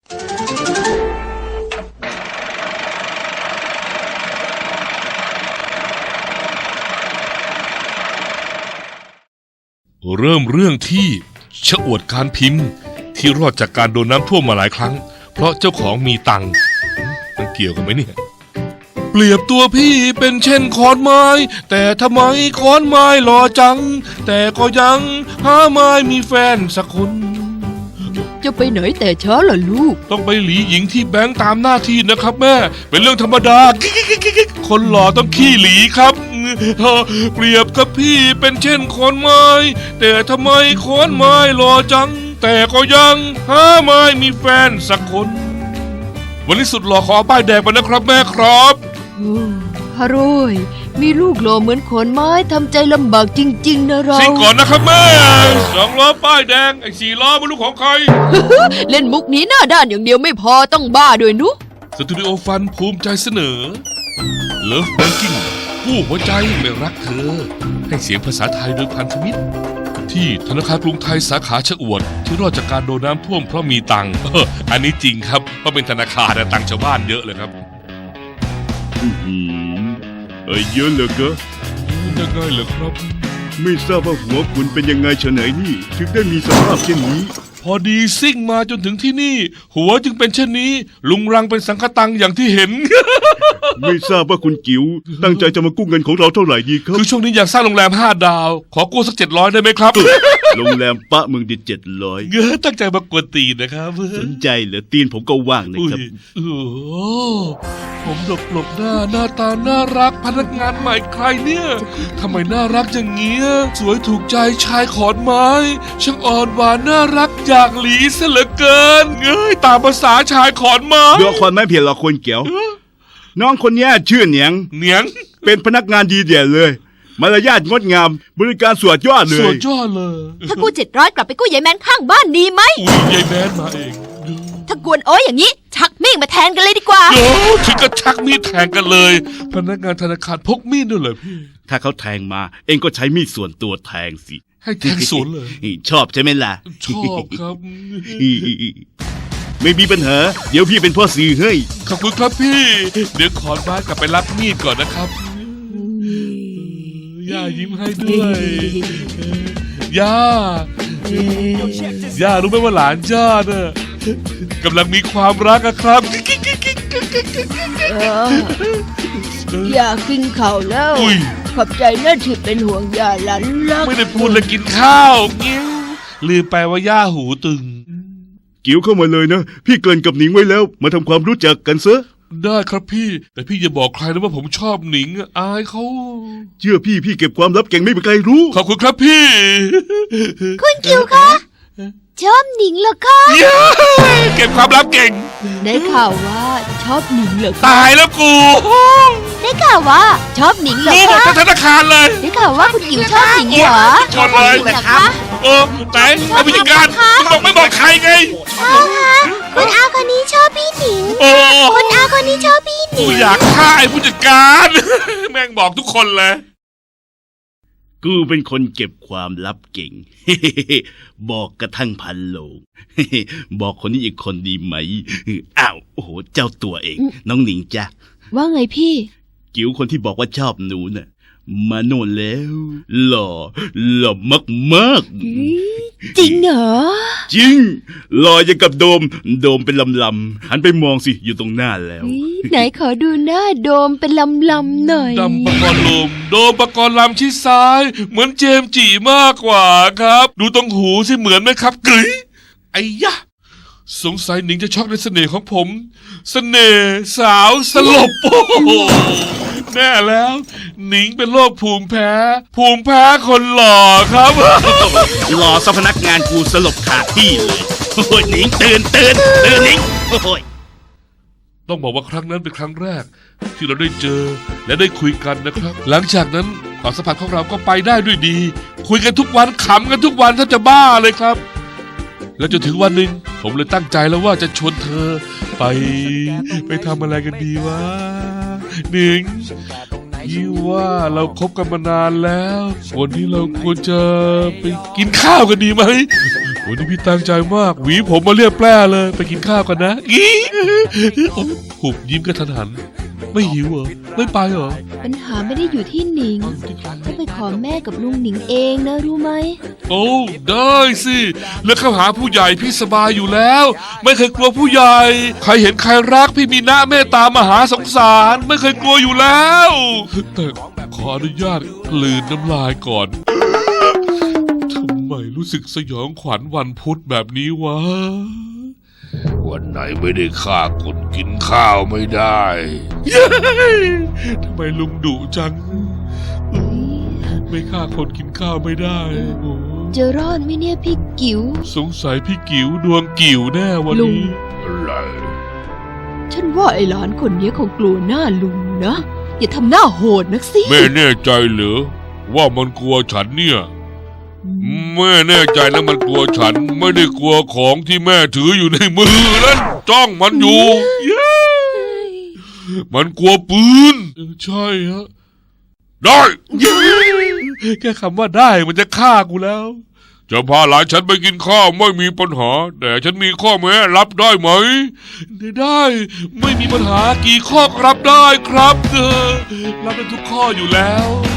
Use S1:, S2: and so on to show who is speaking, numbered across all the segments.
S1: เริ่มเรื่องที่ชะอวดการพิมพ์ที่รอดจากการโดนน้ำท่วมมาหลายครั้งเพราะเจ้าของมีตังค์มันเกี่ยวกันไหมเนี่ยเปรียบตัวพี่เป็นเช่นขอนไม้แต่ทำไมขอนไม้หล่อจังแต่ก็ยังหาไม่มีแฟนสักคน
S2: จะไปไหนแต่ช้าล่ะลูก
S1: ต้องไปหลีหญิงที่แบงค์ตามหน้าที่นะครับแม่เป็นเรื่องธรรมดาคนหล่อต้องขี้หลีครับเปรียบกับพี่เป็นเช่นขอนไม้แต่ทำไมขอนไม้หล่อจังแต่ก็ยังหาไม่มีแฟนสักคนวันนี้สุดหล่อขอป้ายแดงไปนะครับแม่ครับ
S2: ฮาโรยมีลูกหล่อเหมือนขอนไม้ทำใจลำบากจริงๆนะเรา
S1: ซิ่งก่อนนะครับแม่2 ล้อป้ายแดงไอ้4 ล้อไม่รู้ของใคร
S2: เล่นมุกนี้หน้าด้านอย่างเดียวไม่พอต้องบ้าด้วยนุ
S1: สตูดิโอฟันภูมิใจเสนอ Love Banking ผู้หัวใจไม่รักเธอให้เสียงภาษาไทยโดยพันธมิตรที่ธนาคารกรุงไทยสาขาชะอวดที่รอดจากการโดนน้ำท่วมเพราะมีตังค์อันนี้จริงครับเพราะเป็นธนาคารแต่ตังค์ชาวบ้านเยอะเลยครับ
S3: เยอะเหรอก็
S1: ยังไงเหรอครับ
S3: ไม่ทราบว่าหัวคุณเป็นยังไงเฉยนี่ถึงได้มีสภาพเช่นนี้
S1: พอดีซิ่งมาจนถึงที่นี่หัวจึงเป็นเช่นนี้ลุงรังเป็นสังฆตังอย่างที่เห็น
S3: ไม่ทราบว่าคุณกิ๋วตั้งใจจะมากู้เงินของเราเท่าไหร่ดีครับ
S1: คือช่วงนี้อยากสร้างโรงแรม5 ดาวขอกู้สัก700ได้ไหมครับ
S3: โรงแรมปะเมืองดิ700
S1: ตั้งใจมากวนตีนนะครับ
S3: สนใจเหรอตีนผมก็ว่างนะครับ
S1: ผมหลบหน้าตาน่ารักพนักงานใหม่ใครเนี่ยทำไมน่ารักอย่างเงี้ยสวยถูกใจชายขอนไม้ช่างอ่อนหวานน่ารักอยากหลีเสียเหลือเกินตามภาษาชายขอนไม้
S3: ดูขอนไม้เพียงเราคนเกี่ยวน้องคนนี้ชื่อเหนียงเป็นพนักงานดีเด่นเลยมารยาทงดงามบริการสวดยอดเลย
S1: สวดยอดเลย
S2: ถ้ากู้700กลับไปกู้ยายแมนข้างบ้านดีไหม
S1: ยายแมนมาเอง
S2: ถ้ากวนโอ้ยอย่างนี้ชักมีดมาแทนกันเลยดีกว่า
S1: ถึงกับชักมีดแทงกันเลยพนักงานธนาคารพกมีดด้วยเหรอพี่
S3: ถ้าเขาแทงมาเองก็ใช้มีดส่วนตัวแทงสิ
S1: ให้แทงสวนเลย
S3: ชอบใช่ไหมล่ะ
S1: ชอบครับ
S3: ไม่มีปัญหาเดี๋ยวพี่เป็นพ่อสื่อให้
S1: ขอบคุณครับพี่เดี๋ยวขอบ้านกลับไปรับมีดก่อนนะครับย่ายิ้มให้ด้วยย่ารู้ไหมว่าหลานย่าเนี่ยกำลังมีความรักครับ
S2: อยากกินข้าวแล้วขอบใจนะที่เป็นห่วงย่าหลานรัก
S1: ไม่ได้พูดเลยกินข้าวกิ้วลืมไปว่าย่าหูตึง
S3: กิ้วเข้ามาเลยนะพี่เกริ่นกับหนิงไว้แล้วมาทำความรู้จักกันซะ
S1: ได้ครับพี่แต่พี่อย่าบอกใครนะว่าผมชอบหนิงอายเขา
S3: เชื่อพี่เก็บความลับเก่งไม่มีใครรู้
S1: ขอบคุณครับพี่
S2: คุณกิ้วคะชอบหนิงเหรอคะ
S1: เก็บความลับเก่ง
S2: ได้ข่าวว่าชอบหนิงเหรอ
S1: ตายแล้วกู
S2: ได้ข่าวว่าชอบหนิงเหรอคะ
S1: ธนาคารเลย
S2: ได้ข่าวว่าคุณกิ้วชอบหนิงเหรอ
S1: ชอบเลย
S2: นะคะ
S1: ไหนเอาผู้จัดการไม่บอกใครไง
S2: คุณอาคนนี้ชอบพี่หนิงคุณอาคนนี้ชอบพี่หนิง
S1: อยากฆ่าไอ้ผู้จัดการแม่งบอกทุกคนเลย
S3: กูเป็นคนเก็บความลับเก่งบอกกระทั่งพันโลงบอกคนนี้อีกคนดีไหมอ้าวโอ้โหเจ้าตัวเองน้องหนิงจ้ะ
S2: ว่าไงพี่
S3: จิ๋วคนที่บอกว่าชอบหนูน่ะมาโน่นแล้วหล่อมาก
S2: จริงเหรอ
S3: จริงหล่ออย่างกับโดมเป็นลำหันไปมองสิอยู่ตรงหน้าแล้ว
S2: ไหนขอดูหน้าโดมเป็นลำหน่อย
S1: ดำปะกรณ์ลมโดมปะกรณ์ลำชี้ซ้ายเหมือนเจมส์จีมากกว่าครับดูตรงหูสิเหมือนไหมครับกึ๋ยไอ้ยะสงสัยหนิงจะช็อกในเสน่ห์ของผมเสน่ห์สาวสลบโอ้โหแน่แล้วหนิงเป็นโรคภูมิแพ้คนหล่อครับ
S3: หล่อซะพนักงานกูสลบขาดที่เลยโอ้ยหนิงตื่นหนิงโอ้ย
S1: ต้องบอกว่าครั้งนั้นเป็นครั้งแรกที่เราได้เจอและได้คุยกันนะครับหลังจากนั้นความสัมพันธ์ของเราก็ไปได้ด้วยดีคุยกันทุกวันขำกันทุกวันถ้าจะบ้าเลยครับแล้วจนถึงวันหนึ่งผมเลยตั้งใจแล้วว่าจะชวนเธอไปทำอะไรกันดีวะหนิงยี่ว่าเราคบกันมานานแล้ววันนี้เราควรจะไปกินข้าวกันดีไหมวันนี้พี่ตั้งใจมากหวีผมมาเรียบแปร่เลยไปกินข้าวกันนะอีหุบยิ้มกระทันหันไม่หิวเหรอไม่ไปเหรอ
S2: ปัญหาไม่ได้อยู่ที่หนิงต้องไปขอแม่กับลุงหนิงเองนะรู้ไหม
S1: โอ้ได้สิแล้วเข้าหาผู้ใหญ่พี่สบายอยู่แล้ว ไม่เคยกลัวผู้ใหญ่ใครเห็นใครรักพี่มีหน้าเมตตามหาสงสารไม่เคยกลัวอยู่แล้วแต่ขออนุญาตกลืนน้ำลายก่อนทำไมรู้สึกสยองขวัญวันพุธแบบนี้วะวันไหนไม่ได้ฆ่าคนกินข้าวไม่ได้ทำไมลุงดุจังไม่ฆ่าคนกินข้าวไม่ได้โอ้
S2: จะรอดไหมเนี่ยพี่กิ๋ว
S1: สงสัยพี่กิ๋วดวงกิ๋วแน่วัน
S2: ลุง
S1: นี้อะไร
S2: ฉันว่าไอ้หลานคนนี้คงกลัวหน้าลุงนะอย่าทำหน้าโหดนักสิ
S1: แม่แน่ใจเหรอว่ามันกลัวฉันเนี่ยแม่แน่ใจนะมันกลัวฉันไม่ได้กลัวของที่แม่ถืออยู่ในมือนั้นจ้องมันอยู่เย้มันกลัวปืนใช่ฮะได้แค่คำว่าได้มันจะฆ่ากูแล้วจะพาหลานฉันไปกินข้าวไม่มีปัญหาแต่ฉันมีข้อแม้รับได้ไหมได้ไม่มีปัญหากี่ข้อก็รับได้ครับรับได้ทุกข้ออยู่แล้ว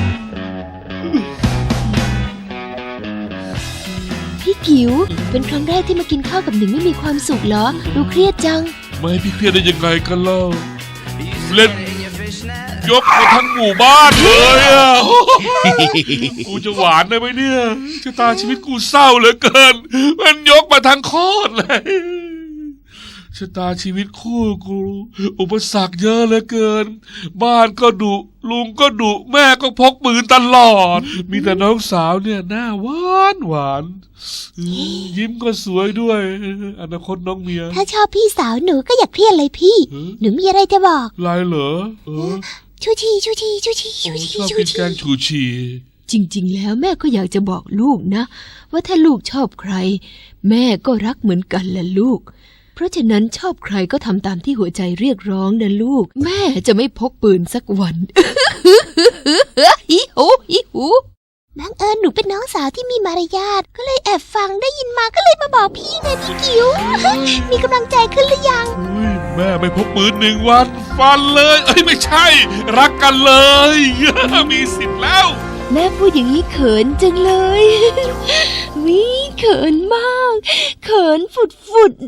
S2: พี่กิ๋วเป็นครั้งแรกที่มากินข้าวกับหนิงไม่มีความสุขเหรอดูเครียดจัง
S1: ไม่ให้พี่เครียดได้ยังไงกันเล่าเล่นยกมาทั้งหมู่บ้านเลยอ่ะ กูจะหวานได้ไหมเนี่ยชะตาชีวิตกูเศร้าเหลือเกินมันยกมาทั้งโคตรเลยชะตาชีวิตคู่กูอุปสรรคเยอะเหลือเกินบ้านก็ดุลุงก็ดุแม่ก็พกปืนตลอดมีแต่น้องสาวเนี่ยหน้าหวานหวานยิ้มก็สวยด้วยอนาคตน้องเมีย
S4: ถ้าชอบพี่สาวหนูก็อย่าเครียดเลยพี่ หนูมีอะไรจะบอก
S1: ลายเหรอ
S4: ชูชีชูชีชูชีชูชี
S1: ชอบ
S4: ชู
S1: กิน
S4: ชี
S1: แกงฉูชี
S2: จริงๆแล้วแม่ก็อยากจะบอกลูกนะว่าถ้าลูกชอบใครแม่ก็รักเหมือนกันแหละลูกเพราะฉะนั้นชอบใครก็ทำตามที่หัวใจเรียกร้องนะลูกแม่จะไม่พกปืนสักวัน ฮิโหฮิหู
S4: บังเอิญหนูเป็นน้องสาวที่มีมารยาทก็เลยแอบฟังได้ยินมาก็เลยมาบอกพี่ไงพี่กิ๋ว มีกำลังใจขึ้นหรือยัง
S1: แม่ไม่พกปืน1 วันฟันเลยไม่ใช่ รักกันเลย มีสิทธิ์แล้ว
S2: แม่พูดอย่างนี้เขินจังเลย วิเขินมากเขินฝุด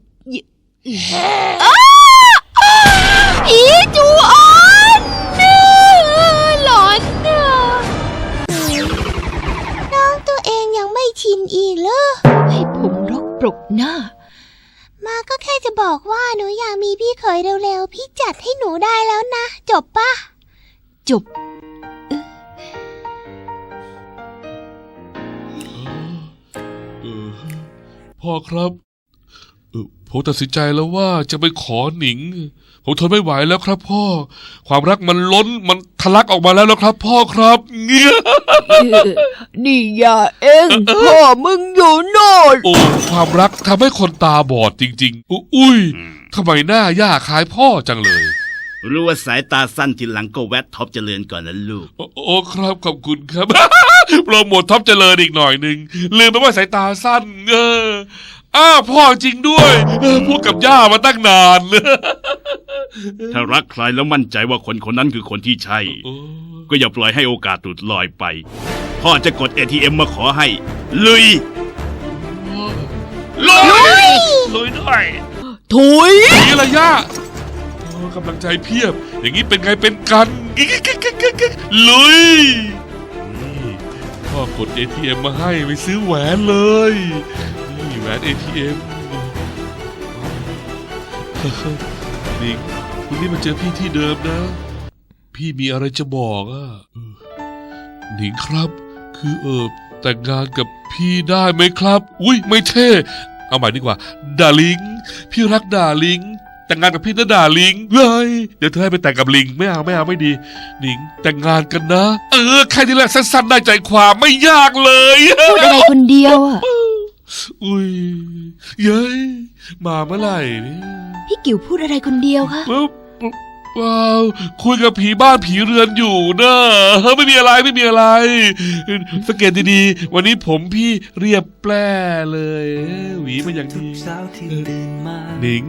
S2: ผีจูออนหลอนน่ะ
S4: น้องตัวเองยังไม่ชินอีกเหรอ
S2: ให้ผมรกปรกหน้า
S4: มาก็แค่จะบอกว่าหนูอยากมีพี่เขยเร็วๆพี่จัดให้หนูได้แล้วนะจบปะ
S2: จบ
S1: พ่อครับผมตัดสินใจแล้วว่าจะไปขอหนิงผมทนไม่ไหวแล้วครับพ่อความรักมันล้นมันทะลักออกมาแล้วครับพ่อครับเงี้ย
S2: นี่อย่าเองพ่อมึงอยู่โน่น
S1: โอ้ความรักทำให้คนตาบอดจริงๆอุ้ยทำไมหน้าย่าคล้ายพ่อจังเลย
S3: รู้ว่าสายตาสั้นทีหลังก็แวะท็อปเจริญก่อนนะลูก
S1: โอ้ครับขอบคุณครับ โปรโมทท็อปเจริญอีกหน่อยหนึ่งลืมไปว่าสายตาสั้นพ่อจริงด้วยพูดกับย่ามาตั้งนาน
S3: ถ้ารักใครแล้วมั่นใจว่าคนคนนั้นคือคนที่ใช่ ก็อย่าปล่อยให้โอกาสหลุดลอยไปพ่อจะกด ATM มาขอให้ลุย
S1: ลุยด้วย
S2: ถุย
S1: นี่ละย่ากำลังใจเพียบ อย่างนี้เป็นไงเป็นกันลุยนี่พ่อกด ATM มาให้ไปซื้อแหวนเลยนี่แหวน ATM นิงคุณนี่มาเจอพี่ที่เดิมนะ พี่มีอะไรจะบอกหนิงครับคือแต่งงานกับพี่ได้ไหมครับอุ้ยไม่เท่เอาใหม่ดีกว่าดาลิงพี่รักดาลิงแต่งงานกับพี่นะดาลิงเลยเดี๋ยวเธอให้ไปแต่งกับลิงไม่เอาไม่ดีหนิงแต่งงานกันนะแค่นี้แหละสั้นๆได้ใจความไม่ยากเลย
S2: พูดอะไรคนเดียวอ่ะ
S1: อุ้ยเย้ยมาเมื่อไหร่เนี่ย
S2: พี่กิ๋วพูดอะไรคนเดียวคะ
S1: ว้าวคุยกับผีบ้านผีเรือนอยู่นะไม่มีอะไรไม่มีอะไรสังเกตดีๆวันนี้ผมพี่เรียบแปร่เลยหวีมาอย่างดีหนิง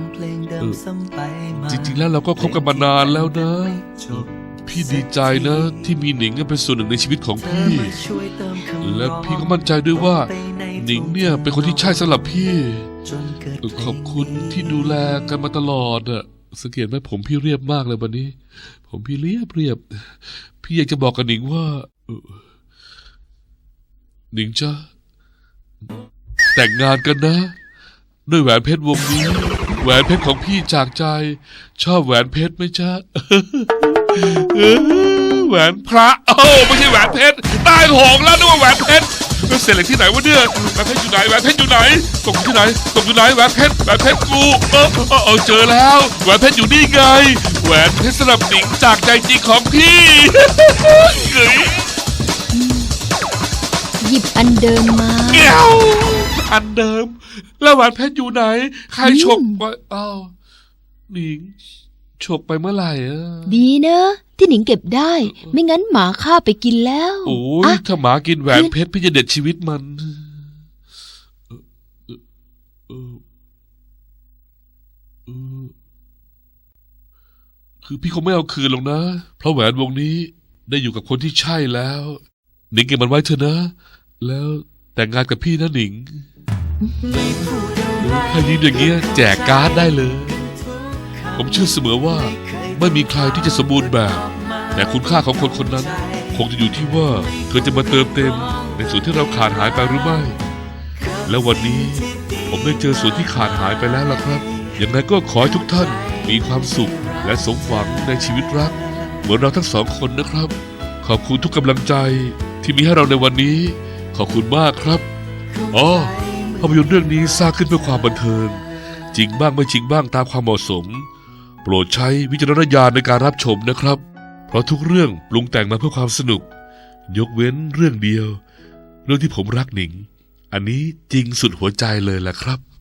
S1: จริงๆแล้วเราก็คบกันมานานแล้วนะพี่ดีใจนะที่มีหนิงเป็นส่วนหนึ่งในชีวิตของพี่และพี่ก็มั่นใจด้วยว่าหนิงเนี่ยเป็นคนที่ใช่สำหรับพี่ขอบคุณที่ดูแลกันมาตลอดอะสังเกตไหมผมพี่เรียบมากเลยวันนี้ผมพี่เรียบพี่อยากจะบอกกับหนิงว่าหนิงจ้ะแต่งงานกันนะด้วยแหวนเพชรวงนี้แหวนเพชรของพี่จากใจชอบแหวนเพชรไหมจ๊ะ แหวนพระโอ้ไม่ใช่แหวนเพชรตายโหงแล้วนึกว่าแหวนเพชรเสร็จเหล็กที่ไหนวะเนี่ยแหวนเพชรอยู่ไหนแหวนเพชรอยู่ไหนตกที่ไหนตกอยู่ไหนแหวนเพชรกูเจอแล้วแหวนเพชรอยู่นี่ไงแหวนเพชรสำหรับหนิงจากใจจริงของพี่เฮ้ย
S2: หยิบอันเดิมมา
S1: เงี้ยวอันเดิมแล้วแหวนเพชรอยู่ไหนใครฉกไปอ้าวหนิงฉกไปเมื่อไหร่
S2: ดีนะที่หนิงเก็บได้ ไม่งั้นหมาฆ่าไปกินแล้ว
S1: โอ้ยถ้าหมากินแหวนเพชรพี่จะเด็ดชีวิตมันคือพี่คงไม่เอาคืนหรอกนะเพราะแหวนวงนี้ได้อยู่กับคนที่ใช่แล้วหนิงเก็บมันไว้เถอะนะแล้วแต่งงานกับพี่นะหนิงถ้ายิ้มอย่างเงี้ยแจกการ์ดได้เลยผมเชื่อเสมอว่าไม่มีใครที่จะสมบูรณ์แบบแต่คุณค่าของคนคนนั้นคงจะอยู่ที่ว่าเธอจะมาเติมเต็มในส่วนที่เราขาดหายไปหรือไม่แล้ววันนี้ผมได้เจอส่วนที่ขาดหายไปแล้วล่ะครับยังไงก็ขอให้ทุกท่านมีความสุขและสมหวังในชีวิตรักเหมือนเราทั้งสองคนนะครับขอบคุณทุกกำลังใจที่มีให้เราในวันนี้ขอบคุณมากครับอ๋อภาพยนตร์เรื่องนี้สร้างขึ้นเพื่อความบันเทิงจริงบ้างไม่จริงบ้างตามความเหมาะสมโปรดใช้วิจารณญาณในการรับชมนะครับเพราะทุกเรื่องปรุงแต่งมาเพื่อความสนุกยกเว้นเรื่องเดียวเรื่องที่ผมรักหนิงอันนี้จริงสุดหัวใจเลยล่ะครับ